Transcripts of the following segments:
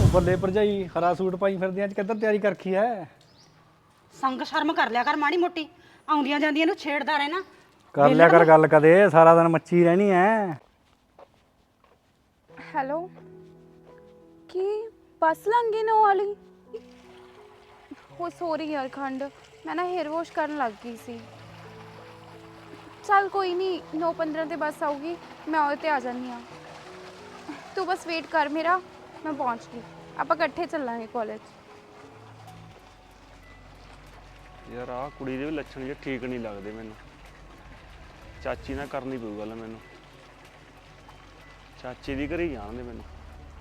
ਬੱਲੇ ਭਰਜਾਈ ਹਰਾ ਸੂਟ ਪਾਈ ਫਿਰਦੀਆਂ ਅੱਜ ਕਿੱਧਰ ਤਿਆਰੀ ਕਰਖੀ ਐ? ਸੰਗ ਸ਼ਰਮ ਕਰ ਲਿਆ ਕਰ ਮਾੜੀ ਮੋਟੀ, ਆਉਂਦੀਆਂ ਜਾਂਦੀਆਂ ਨੂੰ ਛੇੜਦਾ ਰਹਿਣਾ। ਕਰ ਲਿਆ ਕਰ ਗੱਲ ਕਦੇ, ਸਾਰਾ ਦਿਨ ਮੱਛੀ ਰਹਿਣੀ ਐ। ਹੈਲੋ, ਕੀ ਬੱਸ ਲੰਘ ਗਈ ਨੋ ਵਾਲੀ? ਹੋ ਸੋਰੀ ਯਾਰ ਖੰਡ, ਮੈਂ ਨਾ ਹੇਅਰ ਵਾਸ਼ ਕਰਨ ਲੱਗ ਗਈ ਸੀ। ਚੱਲ ਕੋਈ ਨਹੀਂ, 9:15 ਤੇ ਬੱਸ ਆਊਗੀ, ਮੈਂ ਉਹਦੇ 'ਤੇ ਆ ਜਾਂਦੀ ਹਾਂ। ਤੂੰ ਬਸ ਵੇਟ ਕਰ ਮੇਰਾ, ਮੈਂ ਪਹੁੰਚ ਗਈ। ਆਪਾਂ ਇਕੱਠੇ ਚੱਲਾਂਗੇ ਕਾਲਜ। ਯਾਰ ਆਹ ਕੁੜੀ ਦੇ ਵੀ ਲੱਛਣ ਜੇ ਠੀਕ ਨਹੀਂ ਲੱਗਦੇ ਮੈਨੂੰ। ਚਾਚੀ ਨਾਲ ਕਰਨੀ ਪਊ ਗੱਲ ਮੈਨੂੰ, ਚਾਚੀ ਦੀ ਘਰੇ ਜਾਣ ਦੇ ਮੈਨੂੰ।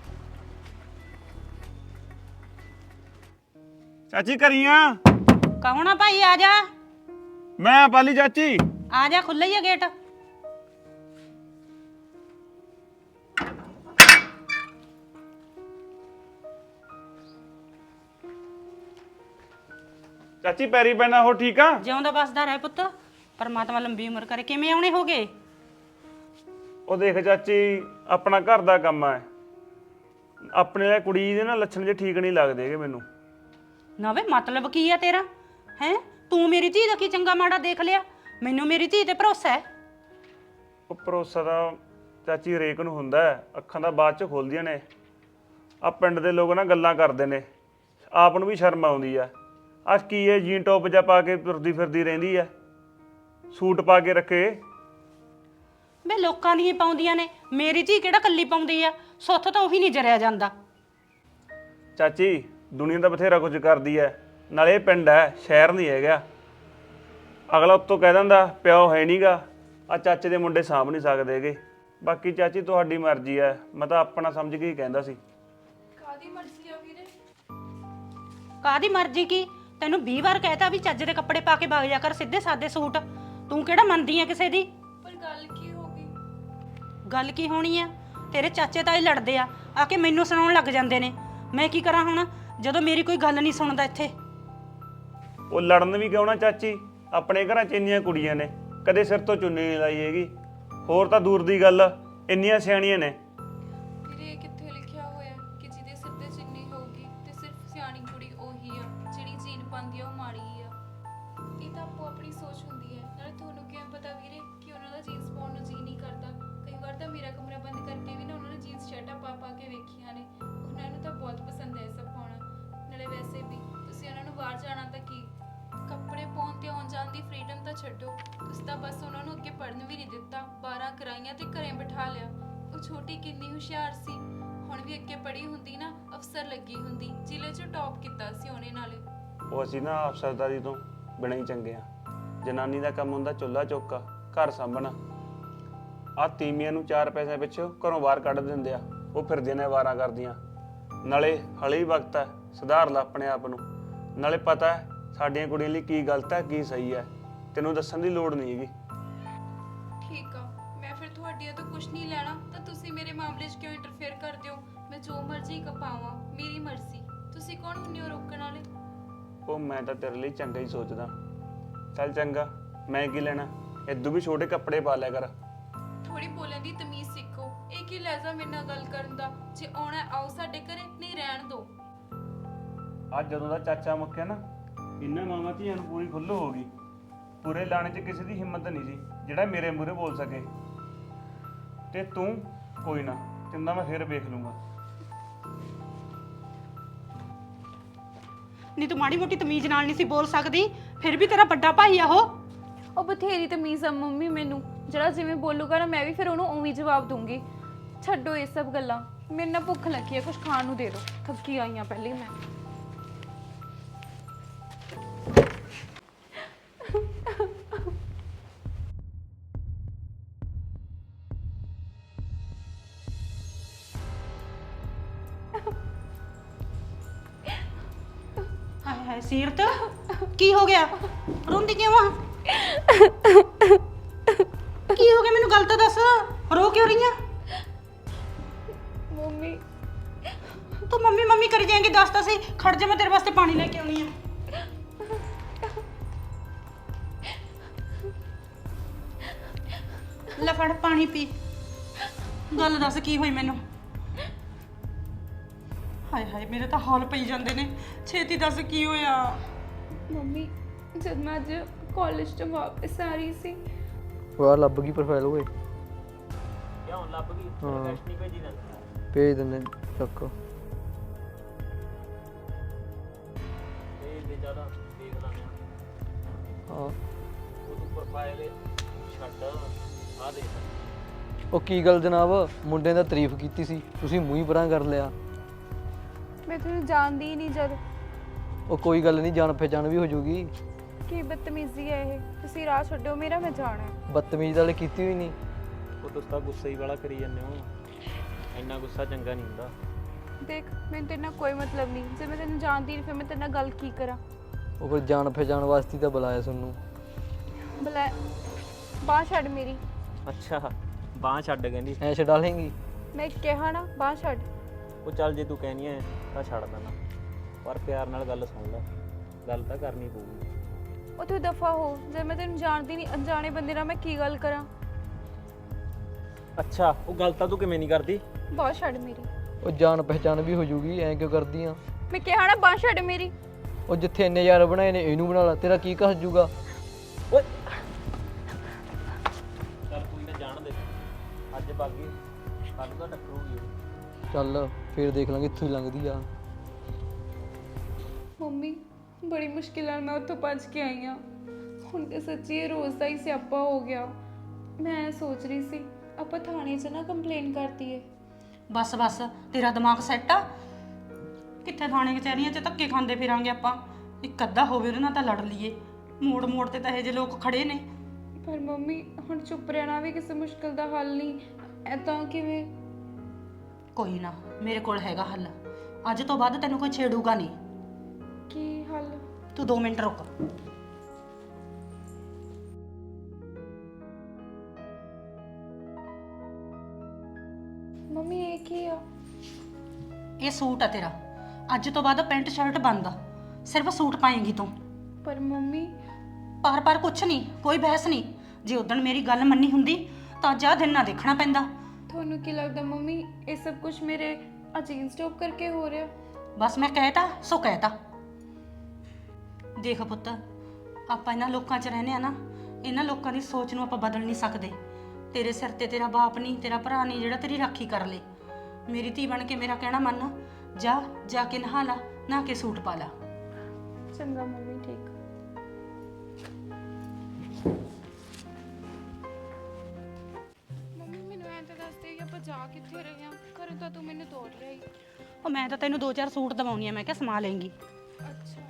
ਚਾਚੀ ਘਰੀਆਂ? ਕੌਣ ਆ ਭਾਈ? ਆ ਜਾ। ਮੈਂ ਪਾਲੀ ਚਾਚੀ। ਆ ਜਾ, ਖੁੱਲ੍ਹਾ ਹੀ ਆ ਗੇਟ। ਚਾਚੀ ਪੈਰੀ ਪੈਣਾ, ਹੋ ਠੀਕ ਆ? ਜਿਉਂਦਾ ਬਸਦਾ ਰਹਿ ਪੁੱਤ, ਪਰਮਾਤਮਾ ਲੰਬੀ ਉਮਰ ਕਰੇ। ਕਿਵੇਂ ਆਉਣੇ ਹੋਗੇ? ਉਹ ਦੇਖ ਚਾਚੀ, ਆਪਣਾ ਘਰ ਦਾ ਕੰਮ ਆ, ਆਪਣੇ ਲਈ ਕੁੜੀ ਦੇ ਨਾ ਲੱਛਣ ਜੇ ਠੀਕ ਨਹੀਂ ਲੱਗਦੇ ਹੈਗੇ ਮੈਨੂੰ। ਨਾ ਵੇ ਮਤਲਬ ਕੀ ਆ ਤੇਰਾ? ਹੈ ਤੂੰ ਮੇਰੀ ਧੀ ਦਾ ਕੀ ਚੰਗਾ ਮਾੜਾ ਦੇਖ ਲਿਆ? ਮੈਨੂੰ ਮੇਰੀ ਧੀ ਤੇ ਭਰੋਸਾ ਹੈ। ਉਹ ਭਰੋਸਾ ਤਾਂ ਚਾਚੀ ਹਰੇਕ ਨੂੰ ਹੁੰਦਾ ਹੈ, ਅੱਖਾਂ ਤਾਂ ਬਾਅਦ ਚ ਖੁੱਲਦੀਆਂ ਨੇ। ਆ ਪਿੰਡ ਦੇ ਲੋਕ ਨਾ ਗੱਲਾਂ ਕਰਦੇ ਨੇ, ਆਪ ਨੂੰ ਵੀ ਸ਼ਰਮ ਆਉਂਦੀ ਆ। ਆ ਕੀ ਹੈ, ਜੀਨ ਟੋਪ ਜਿਹਾ ਪਾ ਕੇ ਤੁਰਦੀ ਫਿਰਦੀ ਰਹਿੰਦੀ ਆ, ਸੂਟ ਪਾ ਕੇ ਰੱਖੇ। ਵੇ ਲੋਕਾਂ ਦੀਆਂ ਪਾਉਂਦੀਆਂ ਨੇ, ਮੇਰੀ ਧੀ ਕਿਹੜਾ ਕੱਲੀ ਪਾਉਂਦੀ ਆ? ਸੁੱਥ ਤਾਂ ਉਹੀ ਨਹੀਂ ਜਰਿਆ ਜਾਂਦਾ। ਚਾਚੀ ਦੁਨੀਆ ਤਾਂ ਬਥੇਰਾ ਕੁਝ ਕਰਦੀ ਐ, ਨਾਲੇ ਇਹ ਪਿੰਡ ਹੈ, ਸ਼ਹਿਰ ਨਹੀਂ ਹੈਗਾ। ਅਗਲਾ ਉੱਤੋਂ ਕਹਿ ਦਿੰਦਾ ਪਿਓ ਹੈ ਨਹੀਂਗਾ, ਆ ਚਾਚੇ ਦੇ ਮੁੰਡੇ ਸਾਂਭ ਨਹੀਂ ਸਕਦੇ ਹੈਗੇ। ਬਾਕੀ ਚਾਚੀ ਤੁਹਾਡੀ ਮਰਜ਼ੀ ਐ, ਮੈਂ ਤਾਂ ਆਪਣਾ ਸਮਝ ਕੇ ਹੀ ਕਹਿੰਦਾ ਸੀ। ਕਾਦੀ ਮਰਜ਼ੀ ਆ ਵੀਰੇ? ਕਾਦੀ ਮਰਜ਼ੀ ਕੀ? ਤੈਨੂੰ 20 ਵਾਰ ਕਹਿਤਾ ਵੀ ਚੱਜ ਦੇ ਕੱਪੜੇ ਪਾ ਕੇ ਵਗ ਜਾ ਕਰ, ਸਿੱਧੇ ਸਾਦੇ ਸੂਟ। ਤੂੰ ਕਿਹੜਾ ਮੰਨਦੀ ਆ ਕਿਸੇ ਦੀ? ਪਰ ਗੱਲ ਕੀ ਹੋ ਗਈ? ਗੱਲ ਕੀ ਹੋਣੀ ਆ? ਤੇਰੇ ਚਾਚੇ ਤਾਏ ਲੜਦੇ ਆ ਕੇ ਮੈਨੂੰ ਸੁਣਾਉਣ ਲੱਗ ਜਾਂਦੇ ਨੇ। ਮੈਂ ਕੀ ਕਰਾਂ ਹੁਣ, ਜਦੋਂ ਮੇਰੀ ਕੋਈ ਗੱਲ ਨਹੀਂ ਸੁਣਦਾ ਇੱਥੇ? ਉਹ ਲੜਨ ਵੀ ਕਿਉਂ ਨਾ ਚਾਚੀ, ਆਪਣੇ ਘਰਾਂ 'ਚ ਇੰਨੀਆਂ ਕੁੜੀਆਂ ਨੇ, ਕਦੇ ਸਿਰ ਤੋਂ ਚੁੰਨੀ ਨਹੀਂ ਲਾਈ ਹੈਗੀ। ਹੋਰ ਤਾਂ ਦੂਰ ਦੀ ਗੱਲ, ਇੰਨੀਆਂ ਸਿਆਣੀਆਂ ਨੇ। ਵੀਰੇ ਕਿੱਥੇ ਲਿਖਿਆ ਹੋਇਆ ਕਿ ਜਿਹਦੇ ਸਿਰ ਤੇ ਚੁੰਨੀ ਹੋਊਗੀ ਤੇ ਸਿਰਫ ਸਿਆਣੀ ਕੁੜੀ ਉਹੀ ਆ, ਜਿਹੜੀ ਜੀਨ ਪਾਉਂਦੀ ਆ ਉਹ ਮਾੜੀ ਆ। ਇਹ ਤਾਂ ਆਪੋ ਆਪਣੀ ਸੋਚ ਹੁੰਦੀ ਹੈ। ਨਾਲੇ ਤੁਹਾਨੂੰ ਕਿਵੇਂ ਪਤਾ ਵੀਰੇ ਕਿ ਉਹਨਾਂ ਦਾ ਜੀਨਸ ਪਾਉਣ ਨੂੰ ਜੀ ਨਹੀਂ ਕਰਦਾ? ਕਈ ਵਾਰ ਤਾਂ ਮੇਰਾ ਕਮਰਾ ਬੰਦ ਕਰਕੇ ਵੀ ਨਾ ਉਹਨਾਂ ਨੇ ਜੀਨਸ ਸ਼ਰਟਾਂ ਪਾ ਕੇ ਵੇਖੀਆਂ ਨੇ। ਉਹਨਾਂ ਨੂੰ ਤਾਂ ਬਹੁਤ ਪਸੰਦ ਹੈ ਇਹ ਸਭ ਪਾਉਣਾ। ਨਾਲੇ ਵੈਸੇ ਵੀ ਤੁਸੀਂ ਉਹਨਾਂ ਨੂੰ ਬਾਹਰ ਜਾਣਾ ਤਾਂ ਕੀ, ਕੱਪੜੇ ਪਾਉਣ ਤੇ ਆਉਣ ਜਾਣ ਦੀ ਫਰੀडम ਤਾਂ ਛੱਡੋ, ਤੁਸੀਂ ਤਾਂ ਬਸ ਉਹਨਾਂ ਨੂੰ ਅੱਗੇ ਪੜ੍ਹਨ ਵੀ ਨਹੀਂ ਦਿੱਤਾ। 12 ਕਰਾਈਆਂ ਤੇ ਘਰੇ ਬਿਠਾ ਲਿਆ। ਉਹ ਛੋਟੀ ਕਿੰਨੀ ਹੁਸ਼ਿਆਰ ਸੀ, ਹੁਣ ਵੀ ਅੱਗੇ ਪੜ੍ਹੀ ਹੁੰਦੀ ਨਾ, ਅਫਸਰ ਲੱਗੀ ਹੁੰਦੀ। ਜ਼ਿਲ੍ਹੇ 'ਚ ਟੌਪ ਕੀਤਾ ਸੀ ਉਹਨੇ। ਨਾਲੇ ਉਹ ਅਸੀਂ ਨਾ ਅਫਸਰਦਾਰੀ ਤੋਂ ਬਿਨਾਂ ਹੀ ਚੰਗੇ ਆ। ਜਨਾਨੀ ਦਾ ਕੰਮ ਹੁੰਦਾ ਚੁੱਲ੍ਹਾ ਚੌਕਾ, ਘਰ ਸਾਂਭਣਾ। ਆਹ ਤੀਵੀਆਂ ਨੂੰ 4 ਪੈਸੇ ਪਿੱਛੇ ਘਰੋਂ ਬਾਹਰ ਕੱਢ ਦਿੰਦੇ ਆ, ਉਹ ਫਿਰਦੀਆਂ ਨੇ ਵਾਰਾਂ ਕਰਦੀਆਂ। ਨਾਲੇ ਹਲੇ ਹੀ ਵਕਤ ਹੈ, ਸੁਧਾਰ ਲਾ ਆਪਣੇ ਆਪ ਨੂੰ। ਨਾਲੇ ਪਤਾ ਹੈ ਸਾਡੀਆਂ ਕੁੜੀਆਂ ਲਈ ਕੀ ਗਲਤ ਹੈ ਕੀ ਸਹੀ ਹੈ, ਤੈਨੂੰ ਦੱਸਣ ਦੀ ਲੋੜ ਨਹੀਂ ਹੈਗੀ। ਠੀਕ ਆ, ਮੈਂ ਫਿਰ ਤੁਹਾਡੀਆਂ ਤੋਂ ਕੁਝ ਨਹੀਂ ਲੈਣਾ, ਤਾਂ ਤੁਸੀਂ ਮੇਰੇ ਮਾਮਲੇ 'ਚ ਕਿਉਂ ਇੰਟਰਫੇਅਰ ਕਰਦੇ ਹੋ? ਮੈਂ ਜੋ ਮਰਜ਼ੀ ਕਪਾਵਾਂ, ਮੇਰੀ ਮਰਜ਼ੀ। ਤੁਸੀਂ ਕੌਣ ਹੁੰਦੇ ਹੋ ਰੋਕਣ ਵਾਲੇ? ਉਹ ਮੈਂ ਤਾਂ ਤੇਰੇ ਲਈ ਚੰਗਾ ਹੀ ਸੋਚਦਾ। ਚੱਲ ਚੰਗਾ, ਮੈਂ ਕੀ ਲੈਣਾ, ਇਦੋਂ ਵੀ ਛੋਟੇ ਕੱਪੜੇ ਪਾ ਲਿਆ ਕਰ। ਥੋੜੀ ਬੋਲਣ ਦੀ ਤਮੀਜ਼ ਸਿੱਖੋ। ਇਹ ਕੀ ਲਹਿਜ਼ਾ ਮੇਰੇ ਨਾਲ ਗੱਲ ਕਰਨ ਦਾ? ਜੇ ਆਉਣਾ ਆਓ ਸਾਡੇ ਘਰੇ, ਨਹੀਂ ਰਹਿਣ ਦਿਓ। ਅੱਜ ਜਦੋਂ ਦਾ ਚਾਚਾ ਮੁੱਕਿਆ ਨਾ, ਇਹਨਾਂ ਮਾਵਾਂ ਧੀਆਂ ਨੂੰ ਪੂਰੀ ਖੁੱਲ੍ਹ ਹੋ ਗਈ। ਪੂਰੇ ਲਾਣੇ 'ਚ ਕਿਸੇ ਦੀ ਹਿੰਮਤ ਨਹੀਂ ਸੀ ਜਿਹੜਾ ਮੇਰੇ ਮੂਹਰੇ ਬੋਲ ਸਕੇ। ਤੇ ਤੂੰ ਕੋਈ ਨਾ, ਤੈਨੂੰ ਮੈਂ ਫੇਰ ਵੇਖ ਲੂੰਗਾ। ਨਹੀਂ ਤੂੰ ਮਾੜੀ ਮੋਟੀ ਤਮੀਜ਼ ਨਾਲ ਨਹੀਂ ਸੀ ਬੋਲ ਸਕਦੀ? ਫਿਰ ਵੀ ਤੇਰਾ ਵੱਡਾ ਭਾਈ ਆ ਉਹ। ਬਥੇਰੀ ਤਮੀਜ਼ ਆ ਮੰਮੀ ਮੈਨੂੰ। ਜਿਹੜਾ ਜਿਵੇਂ ਬੋਲੂਗਾ ਨਾ, ਮੈਂ ਵੀ ਫਿਰ ਉਹਨੂੰ ਉਵੇਂ ਜਵਾਬ ਦੂੰਗੀ। ਛੱਡੋ ਇਹ ਸਭ ਗੱਲਾਂ, ਮੇਰੇ ਨਾਲ ਭੁੱਖ ਲੱਗੀ ਹੈ, ਕੁਝ ਖਾਣ ਨੂੰ ਦੇ ਦਿਓ। ਥੱਕੀ ਆਈ ਹਾਂ ਪਹਿਲੇ ਮੈਂ। ਹਾਏ ਹਾਏ ਸੀਰਤ, ਕੀ ਹੋ ਗਿਆ? ਰੋਂਦੀ ਕਿਉਂ ਆ? ਕੀ ਹੋ ਗਿਆ ਮੈਨੂੰ ਗੱਲ ਤਾਂ ਦੱਸ, ਰੋ ਕਿਉਂ ਰਹੀ ਆ? ਮੰਮੀ ਤੂੰ ਮੰਮੀ ਮੰਮੀ ਕਰੀ ਜਾਏਂਗੀ, ਦੱਸ ਤਾਂ ਸਹੀ। ਖੜ ਜਾ, ਮੈਂ ਤੇਰੇ ਵਾਸਤੇ ਪਾਣੀ ਲੈ ਕੇ ਆਉਣੀ ਆ। ਲੈ ਫੜ ਪਾਣੀ ਪੀ। ਗੱਲ ਦੱਸ ਕੀ ਹੋਈ ਮੈਨੂੰ? ਹਾਏ ਹਾਏ ਮੇਰੇ ਤਾਂ ਹੌਲ ਪਈ ਜਾਂਦੇ ਨੇ। ਛੇਤੀ ਦੱਸ ਕੀ ਹੋਇਆ? ਮੰਮੀ ਜਦ ਮੈਂ ਅੱਜ ਕਾਲਜ ਤੋਂ ਵਾਪਸ ਆ ਰਹੀ ਸੀ ਉਹ ਲੱਭ ਗਈ ਪ੍ਰੋਫਾਈਲ ਓਏ। ਕਿਉਂ ਲੱਭ ਗਈ? ਹਾਂ। ਟੈਸਟ ਨਹੀਂ ਭੇਜੀ ਦਿੰਦਾ ਭੇਜ ਦਿੰਦੇ ਚੱਕ। ਇਹ ਦੇ ਜ਼ਿਆਦਾ ਦੇਖ ਲਾਂਗੇ। ਹਾਂ ਉਹ ਤੂੰ ਪ੍ਰੋਫਾਈਲ ਛੱਡ ਆ ਦੇਖ। ਉਹ ਕੀ ਗੱਲ ਜਨਾਬ, ਮੁੰਡੇ ਦਾ ਤਾਰੀਫ ਕੀਤੀ ਸੀ, ਤੁਸੀਂ ਮੂੰਹ ਹੀ ਪਰਾਂ ਕਰ ਲਿਆ। ਮੈਂ ਤੁਹਾਨੂੰ ਜਾਣਦੀ ਹੀ ਨਹੀਂ ਜਦ। ਉਹ ਕੋਈ ਗੱਲ ਨਹੀਂ, ਜਾਣ ਪਹਿਚਾਣ ਵੀ ਹੋ ਜੂਗੀ। ਕੀ ਬਦਤਮੀਜ਼ੀ ਹੈ ਇਹ? ਤੁਸੀਂ ਰਾਹ ਛੱਡੋ ਮੇਰਾ, ਮੈਂ ਜਾਣਾ ਹੈ। ਬਦਤਮੀਜ਼ ਵਾਲੇ ਕੀਤੀ ਹੋਈ ਨਹੀਂ। ਉਹ ਤੁਸੀਂ ਤਾਂ ਗੁੱਸੇ ਹੀ ਵਾਲਾ ਕਰੀ ਜਾਂਦੇ ਹੋ। ਇੰਨਾ ਗੁੱਸਾ ਚੰਗਾ ਨਹੀਂ ਹੁੰਦਾ। ਦੇਖ ਮੈਨੂੰ ਤੇਰੇ ਨਾਲ ਕੋਈ ਮਤਲਬ ਨਹੀਂ। ਜੇ ਮੈਂ ਤੈਨੂੰ ਜਾਣਦੀ ਨਹੀਂ ਫਿਰ ਮੈਂ ਤੇਰੇ ਨਾਲ ਗੱਲ ਕੀ ਕਰਾਂ? ਉਹ ਫਿਰ ਜਾਣ ਪਹਿਚਾਣ ਵਾਸਤੇ ਤਾਂ ਬੁਲਾਇਆ ਤੁਹਾਨੂੰ। ਬਲਾ ਬਾਂਹ ਛੱਡ ਮੇਰੀ। ਅੱਛਾ ਬਾਂਹ ਛੱਡ ਕਹਿੰਦੀ। ਐ ਛਡਾ ਲੇਂਗੀ? ਮੈਂ ਕਿਹਾ ਨਾ ਬਾਂਹ ਛੱਡ। ਉਹ ਚੱਲ ਜੇ ਤੂੰ ਕਹਿਨੀ ਐ ਤਾਂ ਛੱਡ ਦੇਣਾ, ਪਰ ਪਿਆਰ ਨਾਲ ਗੱਲ ਸੁਣ ਲੈ। ਗੱਲ ਤਾਂ ਕਰਨੀ ਪਊਗੀ। ਉਹ ਤੂੰ ਦਫਾ ਹੋ। ਜੇ ਮੈਂ ਤੈਨੂੰ ਜਾਣਦੀ ਨਹੀਂ, ਅਣਜਾਣੇ ਬੰਦੇ ਨਾਲ ਮੈਂ ਕੀ ਗੱਲ ਕਰਾਂ? ਅੱਛਾ ਉਹ ਗੱਲ ਤਾਂ ਤੂੰ ਕਿਵੇਂ ਨਹੀਂ ਕਰਦੀ? ਬਾਂਹ ਛੱਡ ਮੇਰੀ। ਉਹ ਜਾਣ ਪਹਿਚਾਣ ਵੀ ਹੋ ਜੂਗੀ, ਐ ਕਿਉਂ ਕਰਦੀ ਆ? ਮੈਂ ਕਿਹਾ ਨਾ ਬਾਂਹ ਛੱਡ ਮੇਰੀ। ਉਹ ਜਿੱਥੇ ਇੰਨੇ ਯਾਰ ਬਣਾਏ ਨੇ ਇਹਨੂੰ ਬਣਾ ਲਾ, ਤੇਰਾ ਕੀ ਕਸ ਜੂਗਾ? ਓਏ ਚੱਲ ਕੋਈ ਨਾ ਜਾਣ ਦੇ। ਅੱਜ ਬਾਗੀ ਕੱਲ ਤਾਂ ਟੱਕਰੂਗੀ ਉਹ। ਚੱਲ ਫੇਰ ਦੇਖ ਲਾਂਗੇ, ਇੱਥੋਂ ਹੀ ਲੰਘਦੀ ਆ। ਮੰਮੀ ਬੜੀ ਮੁਸ਼ਕਿਲ ਨਾਲ ਮੈਂ ਉੱਥੋਂ ਭੱਜ ਕੇ ਆਈ ਹਾਂ। ਹੁਣ ਤੇ ਸੱਚੀ ਇਹ ਰੋਜ਼ ਦਾ ਹੀ ਸਿਆਪਾ ਹੋ ਗਿਆ। ਮੈਂ ਸੋਚ ਰਹੀ ਸੀ ਆਪਾਂ ਥਾਣੇ 'ਚ ਨਾ ਕੰਪਲੇਨ ਕਰਤੀ ਏ। ਬਸ ਬਸ ਤੇਰਾ ਦਿਮਾਗ ਸੈੱਟ ਆ? ਕਿੱਥੇ ਥਾਣੇ ਕਚਹਿਰੀਆਂ 'ਚ ਧੱਕੇ ਖਾਂਦੇ ਫਿਰਾਂਗੇ ਆਪਾਂ। ਇੱਕ ਅੱਧਾ ਹੋਵੇ ਉਹਦੇ ਨਾਲ ਤਾਂ ਲੜ ਲਈਏ। ਮੋੜ ਮੋੜ ਤੇ ਤਾਂ ਇਹੋ ਜਿਹੇ ਲੋਕ ਖੜੇ ਨੇ। ਪਰ ਮੰਮੀ ਹੁਣ ਚੁੱਪ ਰਹਿਣਾ ਵੀ ਕਿਸੇ ਮੁਸ਼ਕਿਲ ਦਾ ਹੱਲ ਨਹੀਂ। ਐਦਾਂ ਕਿਵੇਂ? ਕੋਈ ਨਾ ਮੇਰੇ ਕੋਲ ਹੈਗਾ ਹੱਲ। ਅੱਜ ਤੋਂ ਬਾਅਦ ਤੈਨੂੰ ਕੋਈ ਛੇੜੂਗਾ ਨਹੀਂ। ਕੀ ਹੱਲ? ਤੂੰ 2 ਮਿੰਟ ਰੁਕ। ਮੰਮੀ ਇਹ ਕੀ ਆ? ਇਹ ਸੂਟ ਆ ਤੇਰਾ। ਅੱਜ ਤੋਂ ਬਾਅਦ ਪੈਂਟ ਸ਼ਰਟ ਬੰਦ ਆ। ਸਿਰਫ ਸੂਟ ਪਾਏਂਗੀ ਤੂੰ। ਪਰ ਮੰਮੀ ਪਰ ਕੁਛ ਨਹੀਂ, ਕੋਈ ਬਹਿਸ ਨਹੀਂ। ਜੇ ਉਦਣ ਮੇਰੀ ਗੱਲ ਮੰਨੀ ਹੁੰਦੀ ਤਾਂ ਅੱਜ ਆਹ ਦਿਨ ਨਾ ਦੇਖਣਾ ਪੈਂਦਾ। ਤੁਹਾਨੂੰ ਕੀ ਲੱਗਦਾ ਮੰਮੀ ਇਹ ਸਭ ਕੁਝ ਮੇਰੇ ਅਜੀਨ ਸਟਾਪ ਕਰਕੇ ਹੋ ਰਿਹਾ? ਬਸ ਮੈਂ ਕਹਿਤਾ ਸੋ ਕਹਿਤਾ। ਦੇਖ ਪੁੱਤ, ਆਪਾਂ ਇਹਨਾਂ ਲੋਕਾਂ 'ਚ ਰਹਿੰਦੇ ਆ ਨਾ, ਇਹਨਾਂ ਲੋਕਾਂ ਦੀ ਸੋਚ ਨੂੰ ਆਪਾਂ ਬਦਲ ਨਹੀਂ ਸਕਦੇ। ਤੇਰੇ ਸਿਰ ਤੇ ਤੇਰਾ ਬਾਪ ਨਹੀਂ, ਤੇਰਾ ਭਰਾ ਨਹੀਂ ਜਿਹੜਾ ਤੇਰੀ ਰਾਖੀ ਕਰ ਲੇ। ਮੇਰੀ ਧੀ ਬਣ ਕੇ ਮੇਰਾ ਕਹਿਣਾ ਮੰਨ। ਜਾ ਕੇ ਨਹਾ ਲਾ, ਨਹਾ ਕੇ ਸੂਟ ਪਾ ਲਾ। ਚੰਗਾ ਮੰਮੀ, ਠੀਕ। ਮੰਮੀ ਮੈਨੂੰ ਐਂ ਤਾਂ ਦੱਸ ਦੇ ਕਿ ਆਪਾਂ ਜਾ ਕਿੱਥੇ ਰਹੇ ਹਾਂ? ਘਰੋਂ ਤਾਂ ਤੂੰ ਮੈਨੂੰ ਤੋੜ ਲਿਆ ਹੀ। ਉਹ ਮੈਂ ਤਾਂ ਤੈਨੂੰ 2-4 ਸੂਟ ਦਵਾਉਣੀ ਆ। ਮੈਂ ਕਿਹਾ ਸਮਾ ਲੇਂਗੀ। ਅੱਛਾ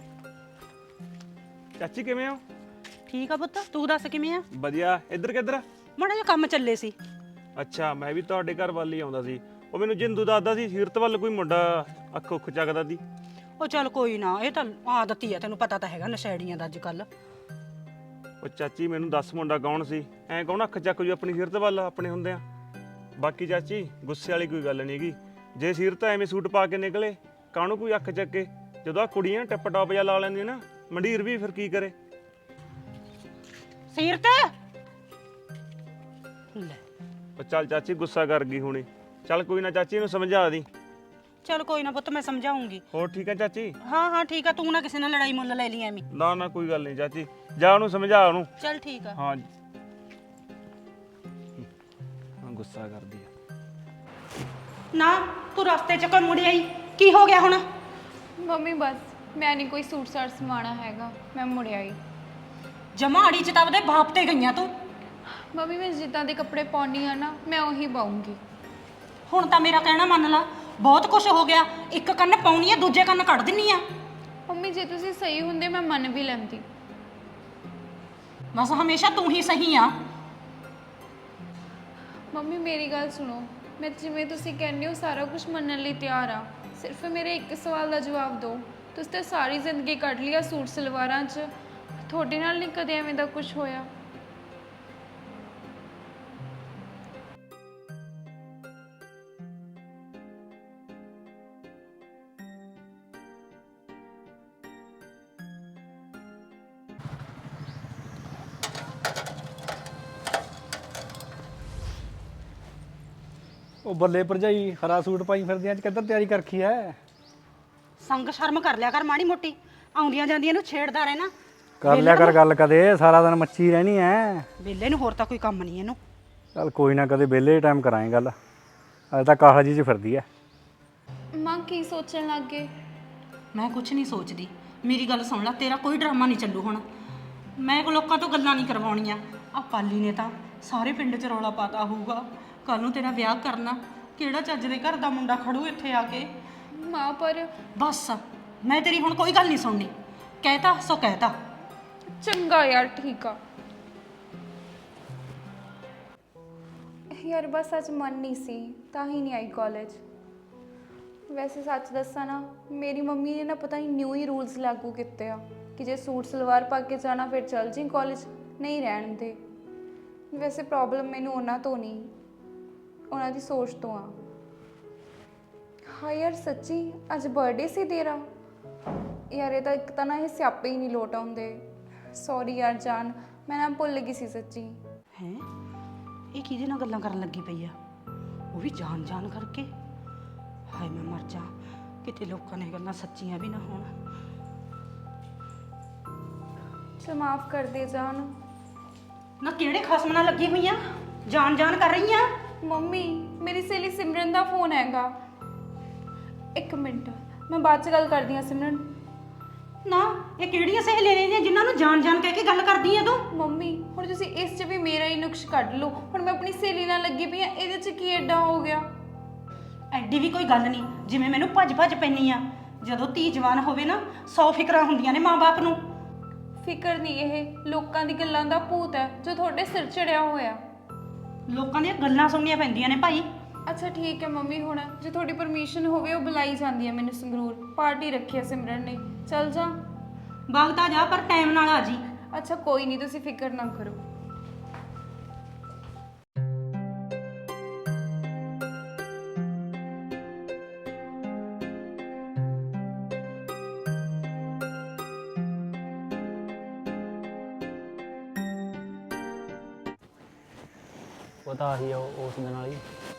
ਚਾਚੀ ਕਿਵੇਂ ਹੋ? ਠੀਕ ਆ ਪੁੱਤ, ਤੂੰ ਦੱਸ ਕਿਵੇਂ ਆ? ਵਧੀਆ। ਇੱਧਰ ਕਿੱਧਰ? ਮਾੜਾ ਜਿਹਾ ਕੰਮ ਚੱਲੇ ਸੀ। ਅੱਛਾ ਮੈਂ ਵੀ ਤੁਹਾਡੇ ਘਰ ਵੱਲ ਹੀ ਆਉਂਦਾ ਸੀ। ਉਹ ਮੈਨੂੰ ਜਿੰਦੂ ਦੱਸਦਾ ਸੀ ਸੀਰਤ ਵੱਲ ਕੋਈ ਮੁੰਡਾ ਅੱਖ ਉੱਖ ਚੱਕਦਾ ਸੀ। ਉਹ ਚੱਲ ਕੋਈ ਨਾ, ਇਹ ਤਾਂ ਆਦਤ ਹੀ ਆ। ਤੈਨੂੰ ਪਤਾ ਤਾਂ ਹੈਗਾ ਨਸ਼ੇੜੀਆਂ ਦਾ ਅੱਜ ਕੱਲ। ਉਹ ਚਾਚੀ ਮੈਨੂੰ ਦੱਸ ਮੁੰਡਾ ਕੌਣ ਸੀ? ਐਂ ਕੌਣ ਅੱਖ ਚੱਕ ਜੂ ਆਪਣੀ ਸੀਰਤ ਵੱਲ ਆਪਣੇ ਹੁੰਦੇ ਆ? ਬਾਕੀ ਚਾਚੀ ਗੁੱਸੇ ਵਾਲੀ ਕੋਈ ਗੱਲ ਨਹੀਂ ਹੈਗੀ। ਜੇ ਸੀਰਤ ਐਵੇਂ ਸੂਟ ਪਾ ਕੇ ਨਿਕਲੇ ਕਾਹਨੂੰ ਕੋਈ ਅੱਖ ਚੱਕੇ? ਜਦੋਂ ਆ ਕੁੜੀਆਂ ਟਿਪ ਟੌਪ ਜਿਹਾ ਲਾ ਲੈਂਦੀਆਂ ਨਾ, ਮੰਡੀਰ ਵੀ ਫਿਰ ਕੀ ਕਰੇ? ਸੀਰਤ ਲੈ, ਉਹ ਚੱਲ ਚਾਚੀ ਗੁੱਸਾ ਕਰ ਗਈ ਹੁਣੀ। ਚੱਲ ਕੋਈ ਨਾ ਚਾਚੀ, ਇਹਨੂੰ ਸਮਝਾ ਦੀ। ਚੱਲ ਕੋਈ ਨਾ ਪੁੱਤ, ਮੈਂ ਸਮਝਾਉਂਗੀ। ਹੋਰ ਠੀਕ ਹੈ ਚਾਚੀ? ਹਾਂ ਠੀਕ ਆ। ਤੂੰ ਨਾ ਕਿਸੇ ਨਾਲ ਲੜਾਈ ਮੁੱਲ ਲੈ ਲਈ ਐਵੇਂ। ਨਾ ਕੋਈ ਗੱਲ ਨਹੀਂ ਚਾਚੀ, ਜਾ ਉਹਨੂੰ ਸਮਝਾ ਉਹਨੂੰ। ਚੱਲ ਠੀਕ ਆ। ਹਾਂ ਗੁੱਸਾ ਕਰਦੀ ਆ। ਨਾ ਤੂੰ ਰਸਤੇ 'ਚ ਕੋਈ ਮੁੜ ਆਈ, ਕੀ ਹੋ ਗਿਆ ਹੁਣ? ਮੰਮੀ ਬਸ ਮੈਂ ਨਹੀਂ ਕੋਈ ਸੂਟ ਸਾਟ ਸਮਾਣਾ ਹੈਗਾ, ਮੈਂ ਮੁੜਿਆ ਹੀ। ਜਮਾੜੀ 'ਚ ਤਾਂ ਉਹਦੇ ਬਾਪ ਤੇ ਗਈਆਂ ਤੂੰ। ਮੰਮੀ ਮੈਂ ਜਿੱਦਾਂ ਦੇ ਕੱਪੜੇ ਪਾਉਣੀ ਆ ਨਾ ਮੈਂ ਉਹੀ ਪਾਉਂਗੀ। ਹੁਣ ਤਾਂ ਮੇਰਾ ਕਹਿਣਾ ਮੰਨ ਲਾ। ਬਹੁਤ ਕੁਝ ਹੋ ਗਿਆ। ਇੱਕ ਕੰਨ ਪਾਉਣੀ ਆ, ਦੂਜੇ ਕੰਨ ਕੱਢ ਦਿੰਨੀ ਆ। ਮੰਮੀ ਜੇ ਤੁਸੀਂ ਸਹੀ ਹੁੰਦੇ ਮੈਂ ਮੰਨ ਵੀ ਲੈਂਦੀ। ਬਸ ਹਮੇਸ਼ਾ ਤੂੰ ਹੀ ਸਹੀ ਆ। ਮੰਮੀ ਮੇਰੀ ਗੱਲ ਸੁਣੋ, ਮੈਂ ਜਿਵੇਂ ਤੁਸੀਂ ਕਹਿੰਦੇ ਹੋ ਸਾਰਾ ਕੁਝ ਮੰਨਣ ਲਈ ਤਿਆਰ ਆ। ਸਿਰਫ ਮੇਰੇ ਇੱਕ ਸਵਾਲ ਦਾ ਜਵਾਬ ਦਿਓ। ਤੁਸੀਂ ਤਾਂ ਸਾਰੀ ਜ਼ਿੰਦਗੀ ਕੱਢ ਲਿਆ ਸੂਟ ਸਲਵਾਰਾਂ 'ਚ, ਤੁਹਾਡੇ ਨਾਲ ਨਹੀਂ ਕਦੇ ਐਵੇਂ ਦਾ ਕੁਝ ਹੋਇਆ? ਉਹ ਬੱਲੇ ਭਰਜਾਈ, ਹਰਾ ਸੂਟ ਪਾਈ ਫਿਰਦੀ ਅੱਜ ਕਿੱਧਰ ਤਿਆਰੀ ਕਰਖੀ ਐ? ਸੰਗ ਸ਼ਰਮ ਕਰ ਲਿਆ ਕਰ ਮਾੜੀ ਮੋਟੀ, ਆਉਂਦੀਆਂ ਜਾਂਦੀਆਂ ਨੂੰ ਛੇੜਦਾ ਰਹਿਣਾ। ਕਰ ਲਿਆ ਕਰ ਗੱਲ ਕਦੇ, ਸਾਰਾ ਦਿਨ ਮੱਚੀ ਰਹਿਣੀ ਐ। ਵਿਹਲੇ ਨੂੰ ਹੋਰ ਤਾਂ ਕੋਈ ਕੰਮ ਨਹੀਂ ਇਹਨੂੰ। ਚੱਲ ਕੋਈ ਨਾ, ਕਦੇ ਵਿਹਲੇ ਟਾਈਮ ਕਰਾਂਗੇ ਗੱਲ। ਅੱਜ ਤਾਂ ਕਾਹਲ ਜੀ 'ਚ ਫਿਰਦੀ ਐ। ਮਾਂ ਕੀ ਸੋਚਣ ਲੱਗ ਗਏ? ਮੈਂ ਕੁਝ ਨਹੀਂ ਸੋਚਦੀ, ਮੇਰੀ ਗੱਲ ਸੁਣ ਲੈ, ਤੇਰਾ ਕੋਈ ਡਰਾਮਾ ਨਹੀਂ ਚੱਲੂ ਹੁਣ। ਮੈਂ ਕੋ ਲੋਕਾਂ ਤੋਂ ਗੱਲਾਂ ਨਹੀਂ ਕਰਵਾਉਣੀਆਂ। ਆ ਪਾਲੀ ਨੇ ਤਾਂ ਸਾਰੇ ਪਿੰਡ 'ਚ ਰੌਲਾ ਪਾਤਾ ਹੋਊਗਾ, ਕੱਲ ਨੂੰ ਤੇਰਾ ਵਿਆਹ ਕਰਨਾ, ਕਿਹੜਾ ਚੱਜ ਦੇ ਘਰ ਦਾ ਮੁੰਡਾ ਖੜੂ ਇੱਥੇ ਆ ਕੇ। ਮਾਂ ਪਰ ਬਸ ਮੈਂ ਤੇਰੀ ਹੁਣ ਕੋਈ ਗੱਲ ਨਹੀਂ ਸੁਣਨੀ, ਕਹਿਤਾ ਸੋ ਕਹਿਤਾ। ਚੰਗਾ ਯਾਰ, ਠੀਕ ਆ ਯਾਰ, ਬਸ ਅੱਜ ਮਨ ਨਹੀਂ ਸੀ ਤਾਂ ਹੀ ਨਹੀਂ ਆਈ ਕਾਲਜ। ਵੈਸੇ ਸੱਚ ਦੱਸਾਂ ਨਾ, ਮੇਰੀ ਮੰਮੀ ਨੇ ਨਾ ਪਤਾ ਨਹੀਂ ਨਿਊ ਹੀ ਰੂਲਸ ਲਾਗੂ ਕੀਤੇ ਆ ਕਿ ਜੇ ਸੂਟ ਸਲਵਾਰ ਪਾ ਕੇ ਜਾਣਾ ਫਿਰ ਚੱਲ ਜੀ ਕਾਲਜ, ਨਹੀਂ ਰਹਿਣ ਦੇ। ਵੈਸੇ ਪ੍ਰੋਬਲਮ ਮੈਨੂੰ ਉਹਨਾਂ ਤੋਂ ਨਹੀਂ, ਉਹਨਾਂ ਦੀ ਸੋਚ ਤੋਂ ਆ। ਹਾਂ ਯਾਰ ਸੱਚੀ ਅੱਜ ਬਰਥਡੇ ਸੀ ਤੇਰਾ ਯਾਰ, ਇਹ ਤਾਂ ਇੱਕ ਤਾਂ ਨਾ ਇਹ ਸਿਆਪੇ ਹੀ ਨਹੀਂ ਲੋਟ ਆਉਂਦੇ। ਸੌਰੀ ਯਾਰ ਜਾਨ, ਮੈਂ ਨਾ ਭੁੱਲ ਗਈ ਸੀ ਸੱਚੀ। ਹੈ ਇਹ ਕਿਹਦੇ ਨਾਲ ਗੱਲਾਂ ਕਰਨ ਲੱਗੀ ਪਈ ਆ, ਉਹ ਵੀ ਜਾਣ ਜਾਣ ਕਰਕੇ। ਹਾਏ ਮੈਂ ਮਰ ਜਾ, ਕਿਤੇ ਲੋਕਾਂ ਨੇ ਗੱਲਾਂ ਸੱਚੀਆਂ ਵੀ ਨਾ ਹੋਣ। ਚਲ ਮਾਫ ਕਰ ਦੇ ਜਾਨ। ਨਾ ਕਿਹੜੇ ਖਸਮ ਨਾਲ ਲੱਗੀ ਹੋਈ ਆ, ਜਾਣ ਜਾਣ ਕਰ ਰਹੀ ਆ। ਮੰਮੀ ਮੇਰੀ ਸਹੇਲੀ ਸਿਮਰਨ ਦਾ ਫੋਨ ਹੈਗਾ, ਇੱਕ ਮਿੰਟ ਮੈਂ ਬਾਅਦ ਚ ਗੱਲ ਕਰਦੀ ਹਾਂ। ਸਿਮਰਨ ਨਾ ਇਹ ਕਿਹੜੀਆਂ ਸਹੇਲੀਆਂ ਨੇ ਜਿਨ੍ਹਾਂ ਨੂੰ ਜਾਣ ਜਾਣ ਕਹਿ ਕੇ ਗੱਲ ਕਰਦੀ ਆ ਤੂੰ? ਮੰਮੀ ਹੁਣ ਤੁਸੀਂ ਇਸ 'ਚ ਵੀ ਮੇਰਾ ਹੀ ਨੁਕਸ ਕੱਢ ਲਓ। ਹੁਣ ਮੈਂ ਆਪਣੀ ਸਹੇਲੀ ਨਾਲ ਲੱਗੀ ਪਈ ਆ, ਇਹਦੇ 'ਚ ਕੀ ਐਡਾ ਹੋ ਗਿਆ? ਐਡੀ ਵੀ ਕੋਈ ਗੱਲ ਨਹੀਂ, ਜਿਵੇਂ ਮੈਨੂੰ ਭੱਜ ਭੱਜ ਪੈਣੀ ਆ। ਜਦੋਂ ਧੀ ਜਵਾਨ ਹੋਵੇ ਨਾ 100 ਫਿਕਰਾਂ ਹੁੰਦੀਆਂ ਨੇ ਮਾਂ-ਬਾਪ ਨੂੰ। ਫਿਕਰ ਨਹੀਂ, ਇਹ ਲੋਕਾਂ ਦੀ ਗੱਲਾਂ ਦਾ ਭੂਤ ਹੈ ਜੋ ਤੁਹਾਡੇ ਸਿਰ ਚੜਿਆ ਹੋਇਆ। ਲੋਕਾਂ ਦੀਆਂ ਗੱਲਾਂ ਸੁਣਨੀਆਂ ਪੈਂਦੀਆਂ ਨੇ ਭਾਈ। ਅੱਛਾ ਠੀਕ ਹੈ ਮੰਮੀ, ਹੁਣ ਜੇ ਤੁਹਾਡੀ ਪਰਮਿਸ਼ਨ ਹੋਵੇ ਉਹ ਬੁਲਾਈ ਜਾਂਦੀ ਹੈ ਮੈਨੂੰ ਸੰਗਰੂਰ, ਪਾਰਟੀ ਰੱਖੀ ਹੈ ਸਿਮਰਨ ਨੇ। ਚੱਲ ਜਾ ਵਗਦਾ ਜਾ, ਪਰ ਟਾਈਮ ਨਾਲ ਆ ਜੀ। ਅੱਛਾ ਕੋਈ ਨਹੀਂ, ਤੁਸੀਂ ਫਿਕਰ ਨਾ ਕਰੋ। ਉਹ ਤਾਂ ਆਹੀ ਆ ਉਸ ਦਿਨ ਵਾਲੀ।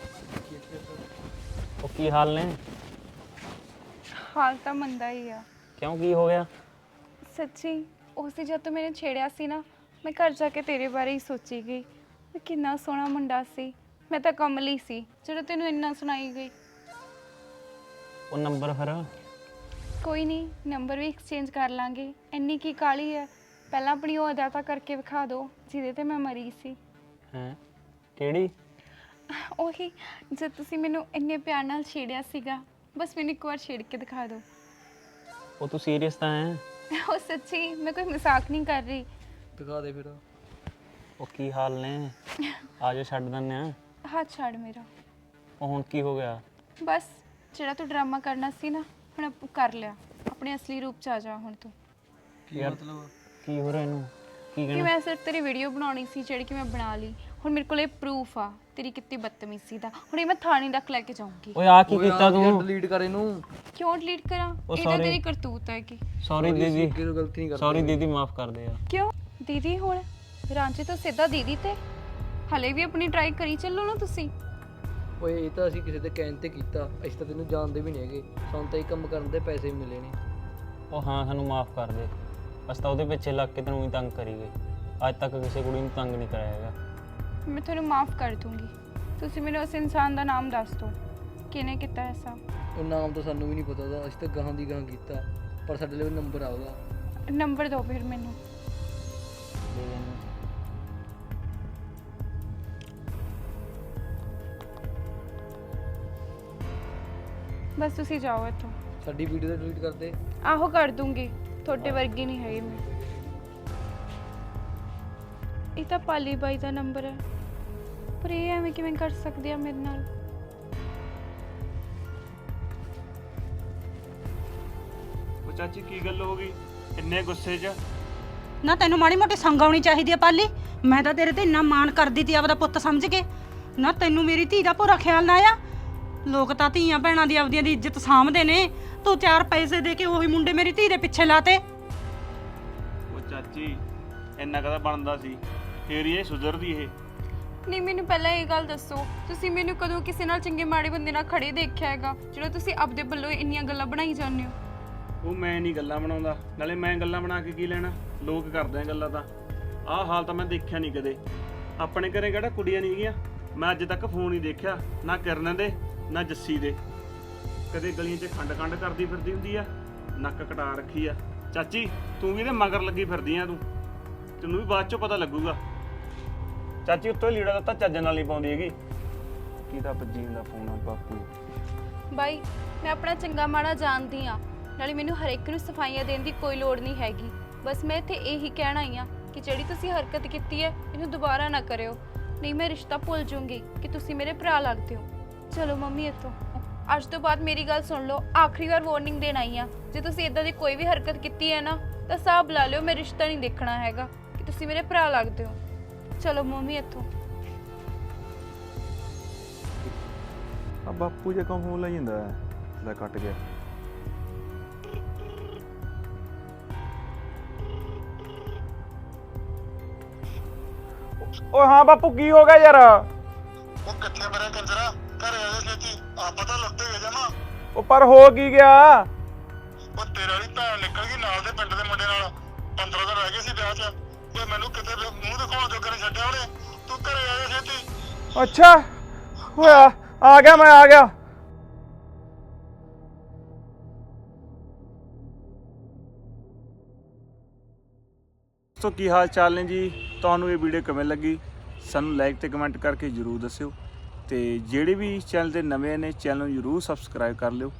ਉਹ ਕੀ ਹਾਲ ਨੇ? ਹਾਲ ਤਾਂ ਮੰਦਾ ਹੀ ਆ। ਕਿਉਂ, ਕੀ ਹੋ ਗਿਆ? ਸੱਚੀ ਉਸੇ ਜਦ ਤੂੰ ਮੈਨੂੰ ਛੇੜਿਆ ਸੀ ਨਾ, ਮੈਂ ਘਰ ਜਾ ਕੇ ਤੇਰੇ ਬਾਰੇ ਹੀ ਸੋਚੀ ਗਈ ਵੀ ਕਿੰਨਾ ਸੋਹਣਾ ਮੁੰਡਾ ਸੀ। ਮੈਂ ਤਾਂ ਕਮਲੀ ਸੀ ਜਦੋਂ ਤੈਨੂੰ ਇੰਨਾ ਸੁਣਾਈ ਗਈ। ਉਹ ਨੰਬਰ ਫਿਰ? ਕੋਈ ਨਹੀਂ, ਨੰਬਰ ਵੀ ਐਕਸਚੇਂਜ ਕਰ ਲਾਂਗੇ। ਇੰਨੀ ਕੀ ਕਾਲੀ ਹੈ, ਪਹਿਲਾਂ ਆਪਣੀ ਉਹ ਅਦਾ ਤਾਂ ਕਰਕੇ ਵਿਖਾ ਦਿਓ ਜਿਹਦੇ ਤੇ ਮੈਂ ਮਰੀ ਸੀ। ਹੈ ਕਿਹੜੀ? ਉਹੀ ਜਦ ਤੁਸੀਂ ਮੈਨੂੰ ਇੰਨੇ ਪਿਆਰ ਨਾਲ ਛੇੜਿਆ ਸੀਗਾ, ਬਸ ਮੈਨੂੰ ਇੱਕ ਵਾਰ ਛੇੜ ਕੇ ਦਿਖਾ ਦਿਓ। ਉਹ ਤੂੰ ਸੀਰੀਅਸ ਤਾਂ ਹੈ? ਉਹ ਸੱਚੀ, ਮੈਂ ਕੋਈ ਮਜ਼ਾਕ ਨਹੀਂ ਕਰ ਰਹੀ। ਦਿਖਾ ਦੇ ਫਿਰ। ਉਹ ਕੀ ਹਾਲ ਨੇ? ਆ ਜਾ ਛੱਡ ਦਿੰਦੇ ਆ। ਹੱਥ ਛੱਡ ਮੇਰਾ। ਉਹ ਹੁਣ ਕੀ ਹੋ ਗਿਆ? ਬਸ ਜਿਹੜਾ ਤੂੰ ਡਰਾਮਾ ਕਰਨਾ ਸੀ ਨਾ, ਹੁਣ ਕਰ ਲਿਆ। ਆਪਣੇ ਅਸਲੀ ਰੂਪ 'ਚ ਆ ਜਾ ਹੁਣ ਤੂੰ। ਕੀ ਮਤਲਬ? ਕੀ ਹੋ ਰਿਹਾ ਇਹਨੂੰ? ਕੀ ਕਿ ਕਹਿਣਾ? ਮੈਂ ਸਿਰਫ ਤੇਰੀ ਵੀਡੀਓ ਬਣਾਉਣੀ ਸੀ ਜਿਹੜੀ ਕਿ ਮੈਂ ਬਣਾ ਲਈ। ਹੁਣ ਮੇਰੇ ਕੋਲ ਇਹ ਪ੍ਰੂਫ ਆ ਤੇਰੀ ਕਿੰਨੀ ਬਦਤਮੀਜ਼ੀ ਦਾ। ਹੁਣ ਇਹ ਮੈਂ ਥਾਣੇ ਤੱਕ ਲੈ ਕੇ ਜਾਊਂਗੀ। ਓਏ ਆ ਕੀ ਕੀਤਾ ਤੂੰ? ਡਿਲੀਟ ਕਰ ਇਹਨੂੰ। ਕਿਉਂ ਡਿਲੀਟ ਕਰਾਂ? ਉਹ ਇਹ ਤਾਂ sorry। ਤੇਰੀ ਕਰਤੂਤ ਹੈ ਕਿ। ਸੌਰੀ ਦੀਦੀ, ਅੱਗੇ ਤੋਂ ਗਲਤੀ ਨਹੀਂ ਕਰਦਾ। ਸੌਰੀ ਦੀਦੀ, ਮਾਫ ਕਰ ਦੇ ਯਾਰ। ਕਿਉਂ ਦੀਦੀ? ਹੁਣ ਰਾਂਚੇ ਤੋਂ ਸਿੱਧਾ ਦੀਦੀ ਤੇ ਹਲੇ ਵੀ ਆਪਣੀ ਟਰਾਈ ਕਰੀ ਚੱਲੋ ਨਾ ਤੁਸੀਂ। ਓਏ ਇਹ ਤਾਂ ਅਸੀਂ ਕਿਸੇ ਦੇ ਕਹਿਣ ਤੇ ਕੀਤਾ, ਅਸੀਂ ਤਾਂ ਤੈਨੂੰ ਜਾਣਦੇ ਵੀ ਨਹੀਂ ਹੈਗੇ। ਸਾਨੂੰ ਤਾਂ ਇਹ ਕੰਮ ਕਰਨ ਦੇ ਪੈਸੇ ਵੀ ਮਿਲੇ ਨੇ। ਉਹ ਹਾਂ, ਸਾਨੂੰ ਮਾਫ ਕਰ ਦੇ। ਅਸੀਂ ਤਾਂ ਉਹਦੇ ਪਿੱਛੇ ਲੱਗ ਕੇ ਤੈਨੂੰ ਹੀ ਤੰਗ ਕਰੀ ਗਏ। ਅੱਜ ਤੱਕ ਕਿਸੇ ਕੁੜੀ ਨੂੰ ਤੰਗ ਨਹੀਂ ਕਰਾਇਆ ਹੈਗਾ। ਮੈਂ ਤੁਹਾਨੂੰ ਮਾਫ ਕਰ ਦੂੰਗੀ। ਤੁਸੀਂ ਮੈਨੂੰ ਉਸ ਇਨਸਾਨ ਦਾ ਨਾਮ ਦੱਸ ਦਿਓ, ਕਿਹਨੇ ਕੀਤਾ ਐਸਾ। ਉਹ ਨਾਮ ਤਾਂ ਸਾਨੂੰ ਵੀ ਨਹੀਂ ਪਤਾ ਉਹਦਾ, ਅਸੀਂ ਤਾਂ ਗਾਹਾਂ ਦੀ ਗਾਹਾਂ ਕੀਤਾ, ਪਰ ਸਾਡੇ ਲਈ ਨੰਬਰ ਆ ਉਹਦਾ। ਨੰਬਰ ਦਿਓ ਫਿਰ ਮੈਨੂੰ। ਦੇ ਦੇ ਇਹਨੂੰ। ਬਸ ਤੁਸੀਂ ਜਾਓ ਇੱਥੋਂ। ਸਾਡੀ ਵੀਡੀਓ ਤਾਂ ਡਿਲੀਟ ਕਰ ਦੇ। ਆਹੋ ਕਰ ਦੂੰਗੀ, ਤੁਹਾਡੇ ਵਰਗੀ ਨਹੀਂ ਹੈਗੀ ਮੈਂ। ਇਹ ਤਾਂ ਪਾਲੀ ਬਾਈ ਦਾ ਨੰਬਰ ਹੈ, ਪਰ ਇਹ ਐਵੇਂ ਕਿਵੇਂ ਕਰ ਸਕਦੇ ਆ ਮੇਰੇ ਨਾਲ? ਉਹ ਚਾਚੀ ਕੀ ਗੱਲ ਹੋ ਗਈ ਇੰਨੇ ਗੁੱਸੇ 'ਚ? ਨਾ ਤੈਨੂੰ ਮਾੜੀ ਮੋਟੀ ਸੰਗ ਆਉਣੀ ਚਾਹੀਦੀ ਆ ਪਾਲੀ। ਮੈਂ ਤਾਂ ਤੇਰੇ ਤੇ ਇੰਨਾ ਮਾਣ ਕਰਦੀ ਤੀ ਆਪਦਾ ਪੁੱਤ ਸਮਝ ਕੇ। ਨਾ ਤੈਨੂੰ ਮੇਰੀ ਧੀ ਦਾ ਪੂਰਾ ਖਿਆਲ ਨਾ ਆਇਆ। ਲੋਕ ਤਾਂ ਧੀਆਂ ਭੈਣਾਂ ਦੀ ਆਪਦੀਆਂ ਦੀ ਇੱਜ਼ਤ ਸਾਂਭਦੇ ਨੇ, ਤੂੰ 4 ਪੈਸੇ ਦੇ ਕੇ ਉਹੀ ਮੁੰਡੇ ਮੇਰੀ ਧੀ ਦੇ ਪਿੱਛੇ ਲਾਤੇ। ਉਹ ਚਾਚੀ ਇੰਨਾ ਕਦਾ ਬਣਦਾ ਸੀ, ਫੇਰ ਹੀ ਇਹ ਸੁਧਰਦੀ ਇਹ। ਨਹੀਂ ਮੈਨੂੰ ਪਹਿਲਾਂ ਇਹ ਗੱਲ ਦੱਸੋ, ਤੁਸੀਂ ਮੈਨੂੰ ਕਦੋਂ ਕਿਸੇ ਨਾਲ ਚੰਗੇ ਮਾੜੇ ਬੰਦੇ ਨਾਲ ਖੜੇ ਦੇਖਿਆ ਹੈਗਾ ਜਿਹੜਾ ਤੁਸੀਂ ਆਪਦੇ ਵੱਲੋਂ ਇੰਨੀਆਂ ਗੱਲਾਂ ਬਣਾਈ ਜਾਂਦੇ ਹੋ? ਉਹ ਮੈਂ ਨਹੀਂ ਗੱਲਾਂ ਬਣਾਉਂਦਾ, ਨਾਲੇ ਮੈਂ ਗੱਲਾਂ ਬਣਾ ਕੇ ਕੀ ਲੈਣਾ, ਲੋਕ ਕਰਦੇ ਆ ਗੱਲਾਂ ਤਾਂ। ਆਹ ਹਾਲ ਤਾਂ ਮੈਂ ਦੇਖਿਆ ਨਹੀਂ ਕਦੇ। ਆਪਣੇ ਘਰੇ ਕਿਹੜਾ ਕੁੜੀਆਂ ਨਹੀਂ ਹੈਗੀਆਂ, ਮੈਂ ਅੱਜ ਤੱਕ ਫੋਨ ਹੀ ਦੇਖਿਆ, ਨਾ ਕਿਰਨ ਦੇ ਨਾ ਜੱਸੀ ਦੇ। ਕਦੇ ਗਲੀਆਂ 'ਚ ਖੰਡ ਕਰਦੀ ਫਿਰਦੀ ਹੁੰਦੀ ਆ, ਨੱਕ ਕਟਾ ਰੱਖੀ ਆ। ਚਾਚੀ ਤੂੰ ਵੀ ਇਹਦੇ ਮਗਰ ਲੱਗੀ ਫਿਰਦੀ ਆ, ਤੈਨੂੰ ਵੀ ਬਾਅਦ 'ਚੋਂ ਪਤਾ ਲੱਗੂਗਾ। ਚਾਚੀ ਉੱਤੋਂ ਲੀੜਾ ਦਿੱਤਾ ਚੱਜ ਨਾਲ ਨਹੀਂ ਪਾਉਂਦੀ ਹੈਗੀ। ਕਿਹਦਾ ਬੱਜੀ ਦਾ ਫੋਨ ਆ ਬਾਪੂ? ਬਾਈ ਮੈਂ ਆਪਣਾ ਚੰਗਾ ਮਾੜਾ ਜਾਣਦੀ ਆ, ਨਾਲੇ ਮੈਨੂੰ ਹਰੇਕ ਨੂੰ ਸਫਾਈਆਂ ਦੇਣ ਦੀ ਕੋਈ ਲੋੜ ਨਹੀਂ ਹੈਗੀ। ਬਸ ਮੈਂ ਇੱਥੇ ਇਹੀ ਕਹਿਣਾ ਹੀ ਆ ਕਿ ਜਿਹੜੀ ਤੁਸੀਂ ਹਰਕਤ ਕੀਤੀ ਹੈ ਇਹਨੂੰ ਦੁਬਾਰਾ ਨਾ ਕਰਿਓ, ਨਹੀਂ ਮੈਂ ਰਿਸ਼ਤਾ ਭੁੱਲ ਜਾਊਂਗੀ ਕਿ ਤੁਸੀਂ ਮੇਰੇ ਭਰਾ ਲੱਗਦੇ ਹੋ। ਚਲੋ ਮੰਮੀ ਇੱਥੋਂ। ਅੱਜ ਤੋਂ ਬਾਅਦ ਮੇਰੀ ਗੱਲ ਸੁਣ ਲਓ, ਆਖਰੀ ਵਾਰ ਵਾਰਨਿੰਗ ਦੇਣ ਆਈ ਆ। ਜੇ ਤੁਸੀਂ ਇਦਾਂ ਦੀ ਕੋਈ ਵੀ ਹਰਕਤ ਕੀਤੀ ਹੈ ਨਾ ਤਾਂ ਸਾਹ ਬੁਲਾ ਲਿਓ, ਮੈਂ ਰਿਸ਼ਤਾ ਨਹੀਂ ਦੇਖਣਾ ਹੈਗਾ ਕਿ ਤੁਸੀਂ ਮੇਰੇ ਭਰਾ ਲੱਗਦੇ ਹੋ। ਚਲੋ ਮੰਮੀ ਇੱਥੋਂ। ਆ ਬਾਪੂ ਜੇ ਕੰਮ ਫੋਨ ਲਈ ਜਾਂਦਾ ਲੈ ਕੱਟ ਗਿਆ। ਓਏ ਹਾਂ ਬਾਪੂ ਕੀ ਹੋ ਗਿਆ ਯਾਰ? ਉਹ ਕਿੱਥੇ ਮਰਿਆ ਕੰਜਰਾ? ਘਰੇ ਆ ਜਾ ਛੇਤੀ, ਆਪਾਂ ਤਾਂ ਲੁੱਟੇ ਗਏ ਜਮਾ। ਉਹ ਪਰ ਹੋ ਕੀ ਗਿਆ? ਉਹ ਤੇਰੇ ਵਾਲੀ ਭੈਣ ਨਿਕਲ ਗਈ ਨਾਲ ਦੇ ਪਿੰਡ ਦੇ ਮੁੰਡੇ ਨਾਲ। 15 ਦਿਨ ਰਹਿ ਗਏ ਸੀ ਵਿਆਹ 'ਚ। ਓਏ ਮੈਨੂੰ ਕਿਤੇ ਮੂੰਹ ਦਿਖਾਉਣ ਜੋਗਾ ਨਹੀਂ ਛੱਡਿਆ ਉਹਨੇ। ਤੂੰ ਘਰੇ ਆ ਜਾ ਛੇਤੀ। ਅੱਛਾ ਹੋਇਆ, ਆ ਗਿਆ ਮੈਂ ਆ ਗਿਆ। ਸੋ ਕੀ ਹਾਲ ਚਾਲ ਨੇ ਜੀ? ਤੁਹਾਨੂੰ ਇਹ ਵੀਡੀਓ ਕਿਵੇਂ ਲੱਗੀ ਸਾਨੂੰ ਲਾਈਕ ਤੇ ਕਮੈਂਟ ਕਰਕੇ ਜਰੂਰ ਦੱਸਿਓ, ਤੇ ਜਿਹੜੇ ਵੀ ਚੈਨਲ ਤੇ ਨਵੇਂ ਨੇ ਚੈਨਲ ਨੂੰ ਜਰੂਰ ਸਬਸਕ੍ਰਾਈਬ ਕਰ ਲਿਓ।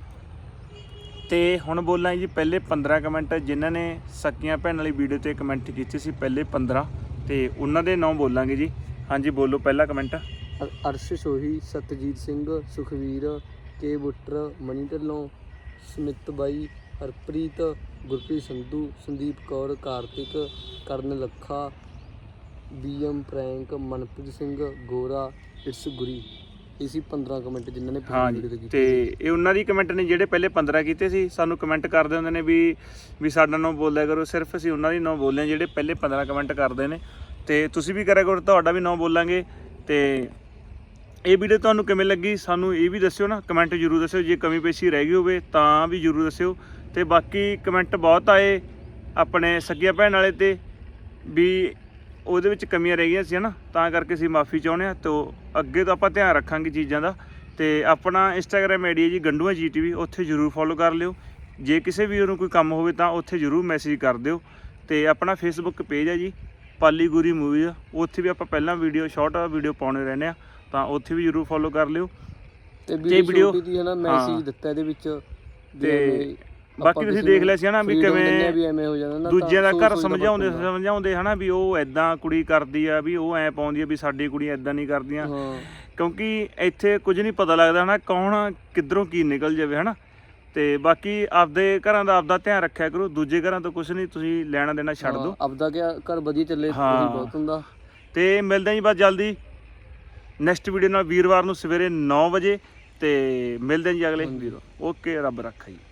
ਤੇ ਹੁਣ ਬੋਲਾਂ ਜੀ ਪਹਿਲੇ 15 ਕਮੈਂਟ ਜਿਨ੍ਹਾਂ ਨੇ ਸਕੀਆਂ ਭੈਣ ਵਾਲੀ ਵੀਡੀਓ ਤੇ ਕਮੈਂਟ ਕੀਤੇ ਸੀ, ਪਹਿਲੇ 15, ਤੇ ਉਹਨਾਂ ਦੇ ਨਾਮ ਬੋਲਾਂਗੇ ਜੀ। ਹਾਂਜੀ ਬੋਲੋ ਪਹਿਲਾ ਕਮੈਂਟ। ਅਰਸ਼ ਸੋਹੀ, ਸਤਜੀਤ ਸਿੰਘ, ਸੁਖਵੀਰ, ਕੇ ਬੁੱਟਰ, ਮਨੀ ਢਿੱਲੋਂ, ਸਮਿਤ ਬਾਈ, Harpreet, Gurpreet Sandhu, Sandeep Kaur, Kartik, Karan Lakha, BM prank, Manpreet Singh, Gora, it's Guri. ਇਸੀ 15 ਕਮੈਂਟ ਜਿਨ੍ਹਾਂ ਨੇ ਹਾਂ ਵੀਡੀਓ ਤੇ ਜੀ, ਕੀਤੇ। ਤੇ ਇਹ ਉਹਨਾਂ ਦੀ ਕਮੈਂਟ ਨੇ ਜਿਹੜੇ ਪਹਿਲੇ 15 ਕੀਤੇ ਸੀ। ਸਾਨੂੰ ਕਮੈਂਟ ਕਰਦੇ ਹੁੰਦੇ ਨੇ ਵੀ ਸਾਡਾ ਨਾਮ ਬੋਲਿਆ ਕਰੋ, ਸਿਰਫ ਅਸੀਂ ਉਹਨਾਂ ਦੀ ਨਾਮ ਬੋਲੇ ਜਿਹੜੇ ਪਹਿਲੇ 15 ਕਮੈਂਟ ਕਰਦੇ ਨੇ, ਤੇ ਤੁਸੀਂ ਵੀ ਕਰਿਆ ਕਰੋ, ਤੁਹਾਡਾ ਵੀ ਨਾਮ ਬੋਲਾਂਗੇ। ਤੇ ਇਹ ਵੀਡੀਓ ਤੁਹਾਨੂੰ ਕਿਵੇਂ ਲੱਗੀ ਸਾਨੂੰ ਇਹ ਵੀ ਦੱਸਿਓ ਨਾ, ਕਮੈਂਟ ਜ਼ਰੂਰ ਦੱਸਿਓ। ਜੇ ਕਮੀ ਪੇਸ਼ੀ ਰਹਿ ਗਈ ਹੋਵੇ ਤਾਂ ਵੀ ਜ਼ਰੂਰ ਦੱਸਿਓ। ਤੇ ਬਾਕੀ ਕਮੈਂਟ ਬਹੁਤ ਆਏ ਆਪਣੇ ਸੱਗੀਆਂ ਭੈਣ ਵਾਲੇ ਤੇ ਵੀ ਉਹਦੇ ਵਿੱਚ ਕਮੀਆਂ ਰਹਿ ਗਈਆਂ ਸੀ ਨਾ, ਤਾਂ ਕਰਕੇ ਅਸੀਂ ਮਾਫੀ ਚਾਹੁੰਦੇ ਹਾਂ। ਤੇ ਅੱਗੇ ਤੋਂ ਆਪਾਂ ਧਿਆਨ ਰੱਖਾਂਗੇ ਚੀਜ਼ਾਂ ਦਾ। ਤੇ ਆਪਣਾ ਇੰਸਟਾਗ੍ਰਾਮ ਆਈਡੀ ਹੈ ਜੀ ਗੰਡੂਆ GTV, ਉੱਥੇ ਜ਼ਰੂਰ ਫੋਲੋ ਕਰ ਲਿਓ। ਜੇ ਕਿਸੇ ਵੀਰ ਨੂੰ ਕੋਈ ਕੰਮ ਹੋਵੇ ਤਾਂ ਉੱਥੇ ਜ਼ਰੂਰ ਮੈਸੇਜ ਕਰ ਦਿਓ। ਤੇ ਆਪਣਾ ਫੇਸਬੁੱਕ ਪੇਜ ਹੈ ਜੀ ਪਾਲੀ ਗੁਰੀ ਮੂਵੀਜ਼, ਉੱਥੇ ਵੀ ਆਪਾਂ ਪਹਿਲਾਂ ਸ਼ਾਰਟ ਵੀਡੀਓ ਪਾਉਣੇ ਰਹਿੰਦੇ ਆ, ਤਾਂ ਉੱਥੇ ਵੀ ਜ਼ਰੂਰ ਫੋਲੋ ਕਰ ਲਿਓ। ਤੇ ਵੀਡੀਓ ਦੀ ਹੈ ਨਾ ਮੈਸੇਜ ਦਿੱਤਾ ਇਹਦੇ ਵਿੱਚ। ਤੇ ਬਾਕੀ ਤੁਸੀਂ ਦੇਖ ਲਿਆ ਸੀ ਹਨਾ ਵੀ ਕਿਵੇਂ ਵੀ ਐਵੇਂ ਹੋ ਜਾਂਦਾ ਨਾ, ਦੂਜਿਆਂ ਦਾ ਘਰ ਸਮਝਾਉਂਦੇ ਹਨਾ ਵੀ ਉਹ ਐਦਾਂ ਕੁੜੀ ਕਰਦੀ ਆ, ਵੀ ਉਹ ਐ ਪਾਉਂਦੀ ਆ, ਵੀ ਸਾਡੀ ਕੁੜੀ ਐਦਾਂ ਨਹੀਂ ਕਰਦੀਆਂ। ਕਿਉਂਕਿ ਇੱਥੇ ਕੁਝ ਨਹੀਂ ਪਤਾ ਲੱਗਦਾ ਹਨਾ, ਕੌਣ ਕਿੱਧਰੋਂ ਕੀ ਨਿਕਲ ਜਾਵੇ ਹਨਾ। ਤੇ ਬਾਕੀ ਆਪਦੇ ਘਰਾਂ ਦਾ ਆਪਦਾ ਧਿਆਨ ਰੱਖਿਆ ਕਰੋ, ਦੂਜੇ ਘਰਾਂ ਤੋਂ ਕੁਝ ਨਹੀਂ ਤੁਸੀਂ ਲੈਣਾ ਦੇਣਾ ਛੱਡ ਦਿਓ। ਆਪਦਾ ਘਰ ਵਧੀਆ ਚੱਲੇ ਉਹੀ ਬਹੁਤ ਹੁੰਦਾ। ਤੇ ਮਿਲਦੇ ਜੀ ਬਸ ਜਲਦੀ ਨੈਕਸਟ ਵੀਡੀਓ ਨਾਲ, ਵੀਰਵਾਰ ਨੂੰ ਸਵੇਰੇ 9 ਵਜੇ। ਤੇ ਮਿਲਦੇ ਜੀ ਅਗਲੇ ਵੀਡੀਓ। ਓਕੇ, ਰੱਬ ਰੱਖਾ ਜੀ।